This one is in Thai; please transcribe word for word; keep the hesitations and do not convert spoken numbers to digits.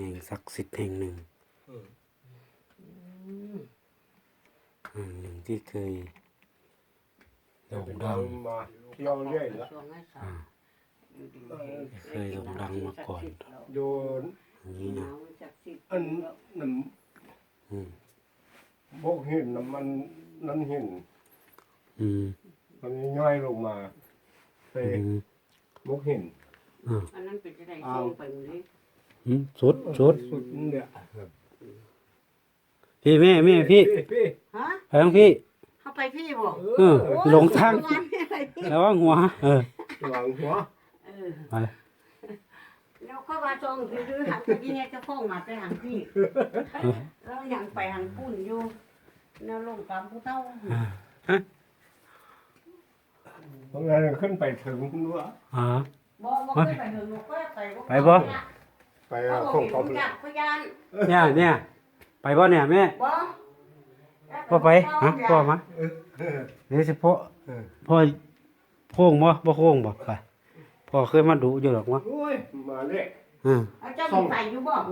ห่งศักดิ์สิทธิ์แห่งหนึ่งแห่งหนึ่งที่เคยโด่งดังมาเที่ยวเรื่อยละอ่าเคยโด่งดังมาก่อนโดนอย่างนี้นะอันนั้นอืมพวกหินน่ะมันนั่นหินอืมมันย่อยลงมาไปอืมพวกหินอ่าอันนั้นเป็นจะได้ช่วงไปหมดเลยอืมสุดสุดสุดเนี่ยพี่แม่แม่พี่พี่ฮะไปทางพี่เข้าไปพี่บอกเออหลงทางโอ้ยอะไรพี่แล้วว่าหัว เออหลังหัวเออไปแล้วเข้ามาจองคือหันไปที่เนี่ยจะฟ้องมาไปหันพี่แล้วยังไปหันปุ่นอยู่แนวลงกำผู้เท่าเพราะงั้นขึ้นไปถึงนู้นอ่าบ่บ่เคยไปเหินบ่เคยไปไปบ่ไปเขาของบเขาอกอยากพยานเนี่ยเนี่ยไปบ่เนี่ยแม่บ่พ่อไปฮะพ่อมาเดี๋ยวสิพ่อพ่อโค้งบ่บ่โค้งบ่ไปพ่อเคยมาดูอยู่หรอกวะโอ้ยมาเลยอืมเอาเจ้าไปอยู่บ่